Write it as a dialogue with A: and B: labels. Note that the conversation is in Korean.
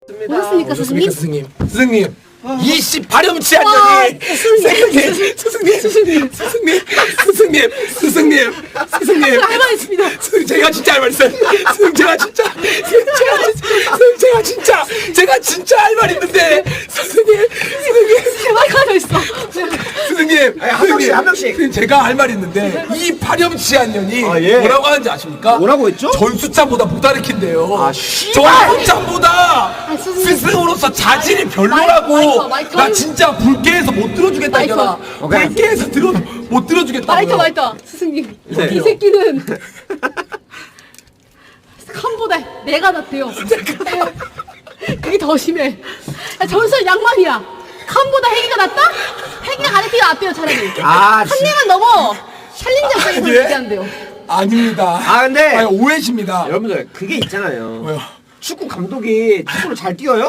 A: 오셨습니까, 스승님?
B: 스승님. 이씨 발염치한년이 스승님
A: 할 말 있습니다.
B: 스승님 제가 진짜 할 말 있어요. 스승님 제가 진짜 할 말 있는데 스승님
A: 제발 가져 있어.
B: 스승님
C: 한 명씩.
B: 스승님 제가 할 말 있는데 이 발염치한년이
C: 아, 예.
B: 뭐라고 하는지 아십니까?
C: 뭐라고 했죠?
B: 전수찬보다 못 가르친대요.
C: 아, 씨발!
B: 전수찬보다
A: 스승님.
B: 스승으로서 자질이 별로라고.
A: 마이크.
B: 나 진짜 불쾌해서 못 들어주겠다
A: 마이크.
B: 이거나.
C: 오케이.
B: 불쾌해서 못 들어주겠다고요.
A: 마이터. 스승님.
C: 네.
A: 이 새끼는 칸보다 내가 낫대요. 그게 더 심해. 야, 전설 양반이야. 칸보다 핵이가 낫다? 핵이가 가르치기가 낫대요, 차라리.
C: 아,
A: 한 명은 넘어. 챌린저까지
B: 예?
A: 얘기한대요.
B: 아닙니다.
C: 아, 근데
B: 아니, 오해십니다.
C: 여러분들 그게 있잖아요.
B: 왜요?
C: 축구 감독이 축구를 잘 뛰어요?